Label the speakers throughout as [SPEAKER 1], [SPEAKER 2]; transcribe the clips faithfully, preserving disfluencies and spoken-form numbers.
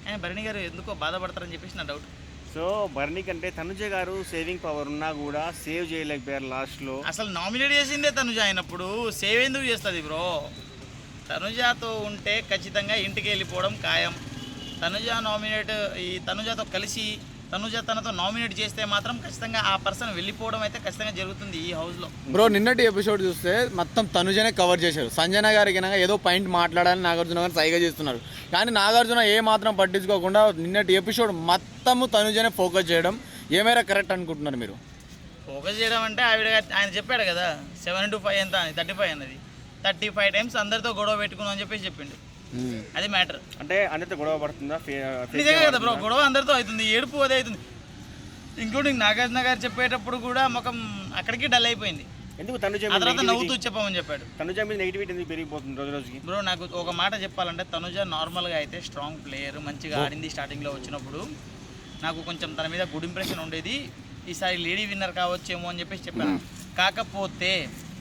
[SPEAKER 1] ఆయన భరణి గారు ఎందుకో బాధపడతారని చెప్పేసి నా డౌట్.
[SPEAKER 2] సో భరణి కంటే తనుజ గారు సేవింగ్ పవర్ ఉన్నా కూడా సేవ్ చేయలేకపోయారు లాస్ట్లో.
[SPEAKER 1] అసలు నామినేట్ చేసిందే తనుజ అయినప్పుడు సేవ్ ఎందుకు చేస్తుంది బ్రో? తనుజాతో ఉంటే ఖచ్చితంగా ఇంటికి వెళ్ళిపోవడం ఖాయం. తనుజ నామినేట్ ఈ తనుజాతో కలిసి తనుజ తనతో నామినేట్ చేస్తే మాత్రం ఖచ్చితంగా ఆ పర్సన్ వెళ్ళిపోవడం అయితే ఖచ్చితంగా జరుగుతుంది ఈ హౌస్లో.
[SPEAKER 3] బ్రో నిన్నటి ఎపిసోడ్ చూస్తే మొత్తం తనుజనే కవర్ చేశారు. సంజన గారికి ఏదో పాయింట్ మాట్లాడాలని నాగార్జున గారు సైగా చేస్తున్నారు, కానీ నాగార్జున ఏ మాత్రం పట్టించుకోకుండా నిన్నటి ఎపిసోడ్ మొత్తము తనుజనే ఫోకస్ చేయడం ఏమైనా కరెక్ట్ అనుకుంటున్నారు మీరు?
[SPEAKER 1] ఫోకస్ చేయడం అంటే ఆవిడ ఆయన చెప్పాడు కదా సెవెన్ ఇంటూ ఫైవ్ ఎంత అని, థర్టీ ఫైవ్ అన్నది థర్టీ ఫైవ్ టైమ్స్ అందరితో గొడవ పెట్టుకున్నాం అని చెప్పేసి చెప్పిండు. అది మ్యాటర్.
[SPEAKER 2] అంటే అందరితో గొడవ పడుతుందా?
[SPEAKER 1] నిజంగా కదా బ్రో, గొడవ అందరితో అవుతుంది, ఏడుపు అదే అవుతుంది. ఇంక్లూడింగ్ నాగార్జున గారు చెప్పేటప్పుడు కూడా ముఖం అక్కడికి డల్ అయిపోయింది.
[SPEAKER 2] ఎందుకు తనుజ
[SPEAKER 1] ఆ తర్వాత నవ్వుతూ చెప్పమని చెప్పాడు.
[SPEAKER 2] తనుజ మీద నెగిటివిటీ ఎందుకు పెరిగిపోతుంది రోజు రోజుకి?
[SPEAKER 1] బ్రో నాకు ఒక మాట చెప్పాలంటే తనుజ నార్మల్గా అయితే స్ట్రాంగ్ ప్లేయర్, మంచిగా ఆడింది స్టార్టింగ్లో వచ్చినప్పుడు. నాకు కొంచెం తన మీద గుడ్ ఇంప్రెషన్ ఉండేది. ఈసారి లేడీ విన్నర్ కావచ్చేమో అని చెప్పేసి చెప్పాను. కాకపోతే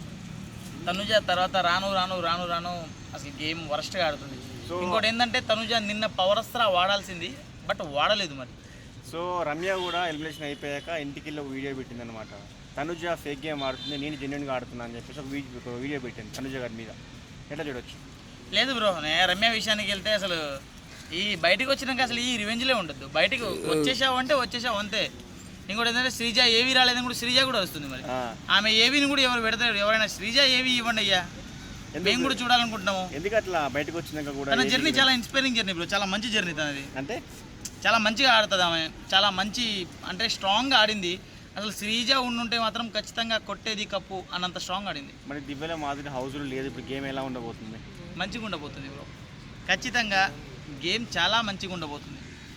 [SPEAKER 1] తనుజ తర్వాత రాను రాను రాను రాను అసలు గేమ్ వరస్ట్గా ఆడుతుంది. ఇంకోటి ఏంటంటే తనుజ నిన్న పవర్ అస్త్రా వాడాల్సింది, బట్ వాడలేదు మరి.
[SPEAKER 2] సో రమ్య కూడా ఎలిమినేషన్ అయిపోయాక ఇంటికి వెళ్ళి ఒక వీడియో పెట్టింది అనమాట. తనుజ ఫేక్ గేమ్ ఆడుతుంది, నేను జెన్యున్గా ఆడుతున్నా అని చెప్పేసి ఒక వీడియో ఒక వీడియో పెట్టింది తనుజ గారి మీద. ఎట్లా చూడొచ్చు?
[SPEAKER 1] లేదు బ్రో, నేను రమ్య విషయానికి వెళ్తే అసలు ఈ బయటకు వచ్చినాక అసలు ఈ రివెంజ్లే ఉండద్దు. బయటకు వచ్చేసావు అంటే వచ్చేసావు అంతే. ఇంకోటి ఏంటంటే శ్రీజ ఏవి రాలేదని కూడా శ్రీజ కూడా వస్తుంది మరి. ఆమె ఏవిని కూడా ఎవరు పెడతారు? ఎవరైనా శ్రీజ ఏవి ఇవ్వండి అయ్యా, మేము కూడా చూడాలనుకుంటున్నాము.
[SPEAKER 2] ఎందుకు అట్లా బయటకు వచ్చినాక కూడా?
[SPEAKER 1] తన జర్నీ చాలా ఇన్స్పైరింగ్ జర్నీ బ్రో, చాలా మంచి జర్నీ తనది.
[SPEAKER 2] అంటే
[SPEAKER 1] చాలా మంచిగా ఆడుతుంది ఆమె, చాలా మంచి అంటే స్ట్రాంగ్గా ఆడింది. అసలు శ్రీజ ఉండుంటే మాత్రం ఖచ్చితంగా కొట్టేది కప్పు అన్నంత స్ట్రాంగ్ ఆడింది.
[SPEAKER 2] మరి దివ్యల మాదిరి హౌస్లో లేదు, ఇప్పుడు గేమ్ ఎలా ఉండబోతుంది?
[SPEAKER 1] మంచిగా ఉండబోతుంది బ్రో, ఖచ్చితంగా గేమ్ చాలా మంచిగా ఉండబోతుంది.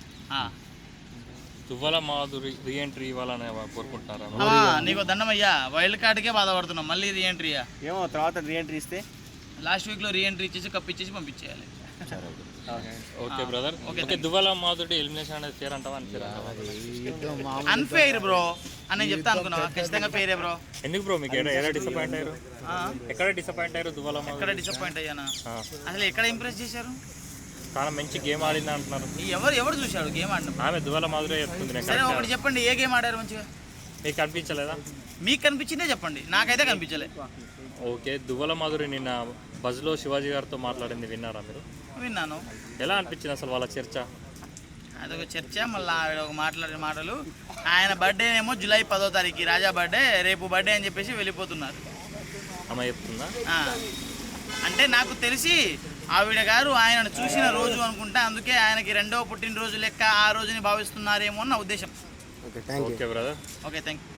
[SPEAKER 4] దువ్వల మాధురి రీఎంట్రీ ఇవ్వాలని కోరుకుంటున్నారా?
[SPEAKER 1] నీకు దండమయ్యా, వైల్డ్ కార్డ్కే బాధపడుతున్నాం, మళ్ళీ రీఎంట్రీయా?
[SPEAKER 2] ఏమో తర్వాత రీఎంట్రీ ఇస్తే
[SPEAKER 1] లాస్ట్ వీక్లో రీఎంట్రీ ఇచ్చేసి కప్ ఇచ్చేసి పంపించేయాలి.
[SPEAKER 4] Okay brother. Okay Duvvala Madhuri elimination అనేది ఫేర్ అంటావా?
[SPEAKER 1] అన్ఫెయిర్ బ్రో అని చెప్తా అనుకున్నావా? ఖచ్చితంగా ఫెయిరే బ్రో.
[SPEAKER 4] ఎందుకు బ్రో మీకు ఎలా డిసప్పాయింట్ అయ్యారు? ఎక్కడ డిసప్పాయింట్ అయ్యారు దువ్వల మాధురి?
[SPEAKER 1] ఎక్కడ డిసప్పాయింట్ అయ్యానా? అసలు ఎక్కడ ఇంప్రెస్ చేశారు?
[SPEAKER 4] చాలా మంచి గేమ్ ఆడింది అంటున్నారు.
[SPEAKER 1] ఎవరు ఎవరు చూశాడు గేమ్ ఆడిన?
[SPEAKER 4] ఆమె దువ్వల మాధురి చెప్తుంది.
[SPEAKER 1] సరే ఒకటి చెప్పండి, ఏ గేమ్ ఆడారు మంచిగా?
[SPEAKER 4] మీకు కనిపించలేదా?
[SPEAKER 1] మీకు కనిపించిందే చెప్పండి, నాకైతే కనిపించలే.
[SPEAKER 4] ఓకే దువ్వల మాధురి నిన్న బజ్లో శివాజీ గారితో మాట్లాడింది విన్నారా మీరు?
[SPEAKER 1] విన్నాను.
[SPEAKER 4] ఎలా అనిపించింది అసలు వాళ్ళ చర్చ?
[SPEAKER 1] అదొక చర్చ, మళ్ళీ ఆవిడ ఒక మాట్లాడిన మాటలు. ఆయన బర్త్డే ఏమో జూలై పదో తారీఖు, రాజా బర్త్డే రేపు బర్త్డే అని చెప్పేసి వెళ్ళిపోతున్నారు.
[SPEAKER 4] అమ్మ చెప్తుందా?
[SPEAKER 1] అంటే నాకు తెలిసి ఆవిడ గారు ఆయనను చూసిన రోజు అనుకుంటా, అందుకే ఆయనకి రెండవ పుట్టినరోజు లెక్క ఆ రోజుని భావిస్తున్నారేమో అన్న ఉద్దేశం.
[SPEAKER 4] Okay brother.
[SPEAKER 1] Okay thank you.